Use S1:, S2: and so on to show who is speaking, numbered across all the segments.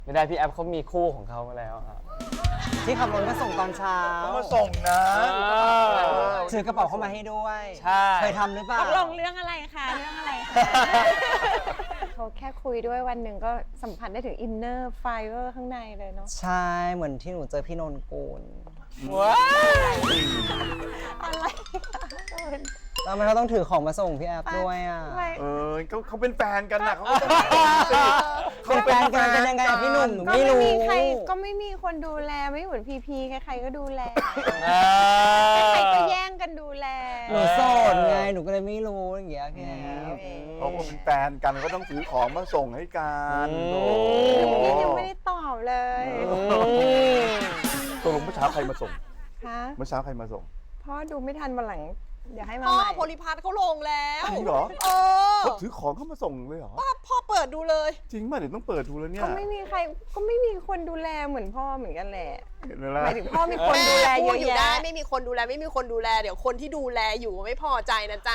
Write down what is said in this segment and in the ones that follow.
S1: ไม่ได้พี่แอฟเขามีคู่ของเขามาแล้วครับ
S2: ที่ขับรถมาส่งตอนเช้า
S3: เขามาส่งนะ
S2: ถือกระเป๋าเข้ามาให้ด้วย
S1: ใช่
S2: เคยทำหรือเปล่า
S4: ตกลงเรื่องอะไรคะเรื่องอะไรคะ
S5: เขาแค่คุยด้วยวันหนึ่งก็สัมผัสได้ถึงอินเนอร์ไฟเวอร์ข้างในเลยเนาะ
S2: ใช่เหมือนที่หนูเจอพี่นนกูล
S1: ว้าว
S5: อะไร
S2: แล้วมันก็ต้องถือของมาส่งพี่แอฟด้วยอ่ะ
S5: ไม่
S3: เขาเป็นแฟนกันนะเขาก็ต้องสิ
S2: เป็นแฟนกันเป็นยังไงอะพี่หนุ่มหนู
S5: ก็
S2: ไม่
S5: ไม่
S2: รู้
S5: มีใครก็ไม่มีคนดูแลไม่เหมือนพีพีใครๆก็ดูแลใครก็แย่งกันดูแล
S2: หนูโสดไงหนูก็เลยไม่รู้อย่างเงี้ยพี่แอฟ
S3: เขาก็เป็นแฟนกันก็ต้องซื้อของมาส่งให้กันโอ้
S5: พี่ยังไม่ได้ตอบเลย
S3: ตกลงเมื่อเช้าใครมาส่ง
S5: คะ
S3: เมื่อเช้าใครมาส่ง
S5: พ่อดูไม่ทันวันหลังเดี๋ยวให้มา
S4: พ่อ
S5: ใหม่
S4: โพลิพัทเขาลงแล้ว
S3: จริงเหรอ
S4: เออ
S3: เขาถือของเข้ามาส่งเลยเหรอ
S4: พ่อเปิดดูเลย
S3: จริงป่ะเดี๋ยวต้องเปิดดูแล้วเนี่ย
S5: ก็ไม่มีใครก็ไม่มีคนดูแลเหมือนพ่อเหมือนกันแหละ
S3: เห็นไหมล่ะ
S5: หมายถึงพ่อมีคนดูแลเย
S4: พูด
S5: อะ
S4: อยู่ได้
S5: แยะ
S4: ไม่มีคนดูแลไม่มีคนดูแลเดี๋ยวคนที่ดูแลอยู่ไม่พอใจนะจ๊ะ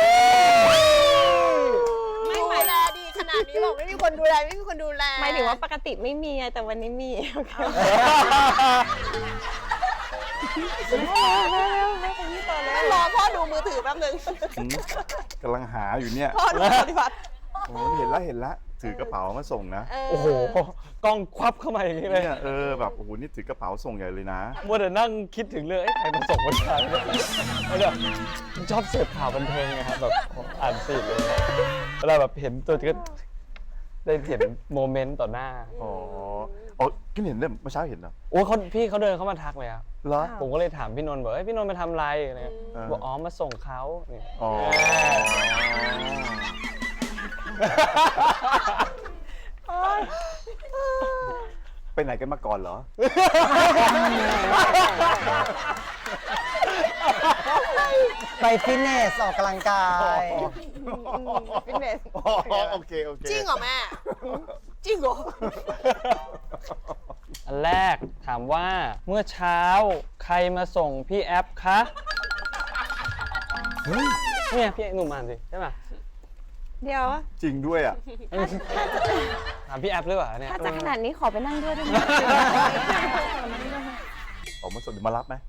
S4: ไม่ดูแลดีขนาดนี้บอกไม่มีคนดูแลไม่มีคนดูแล
S5: หมายถึงว่าปกติไม่มีไงแต่วันนี้มีโอเคไม่เป็นที่ต่อแล้ว
S4: ไม่รอพ่อดูมือถือแป๊บนึง
S3: กำลังหาอยู่เนี่ย
S4: พ่อดูโพลิพัท
S3: โอ้เห็นแล้วถือกระเป๋ามาส่งนะ
S1: โอ้โหกล้องควับเข้ามาอย่างนี้เลย
S3: เนี่ยแบบโอ้โหนี่ถือกระเป๋าส่งใหญ่เลยนะ
S1: มัวแต่นั่งคิดถึงเรื่องใครมาส่งวันเช้าเนี่ยแล้วแบบชอบเสพข่าวบันเทิงไงครับแบบอ่านฟีดเลยเวลาแบบเห็นตัวจริงก็ได้เห็นโมเมนต์ต่อหน้า
S3: อ๋อกินเห็นเนี่ยเมื่อเช้าเห็นเหรอ
S1: โอ้พี่เขาเดินเข้ามาทักเลยครับ
S3: เหรอ
S1: ผมก็เลยถามพี่นนท์บอกพี่นนท์มาทำอะไรอะไรเงี้ย
S3: เออ
S1: บอกอ๋อมาส่งเขาเนี่ย
S3: อ๋อ ไปไหนกันมาก่อนเหรอ
S2: ไปฟิตเนสออกกำลังกาย
S5: ฟิตเนส
S3: โอเค
S4: จริงเหรอแม่จริงเหรอ
S1: อันแรกถามว่าเมื่อเช้าใครมาส่งพี่แอฟคะเนี่ยพี่หนุ่มอ่านสิใช่ไหม
S5: เดี๋ยว
S3: จริงด้วยอ่ะ
S1: ถามพี่แอฟหรือเปล่าเนี่ย
S5: ถ้าจะขนาดนี้ขอไปนั่งด้วยได้ไหม
S3: ออกมาส่งเดี๋ยวมารับไหม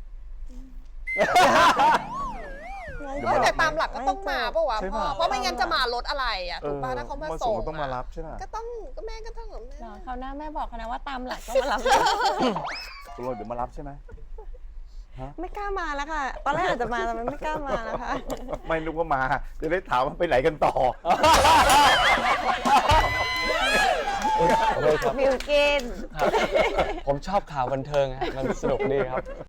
S4: แต่ตามหลักก็ต้องมาปะวะ
S3: ใช่
S4: พ่อ
S3: ปะ
S4: เพราะไม่งั้นจะมารถอะไรอ่ะถูกป่ะถ้าเขามาส่ง
S3: ต้องมารับใช่ไหม
S4: ก็ต้องก็แม่ก็ต้องแบบแม่
S5: เขาวหน้าแม่บอกเขานะว่าตามหลักต้องมารับ
S3: ตกลงเดี๋ยวมารับใช่ไหม
S5: ไม่กล้ามาแล้วค่ะ ตอนแรกอาจจะมาแต่มันไม่กล้ามาแล้วค่ะ
S3: ไม่นึกว่ามา จะได้ถามว่าไปไหนกันต่อ
S1: โอเคครับ
S5: มิวกิน
S1: ผมชอบข่าวบันเทิงฮะมันสนุกดีครับ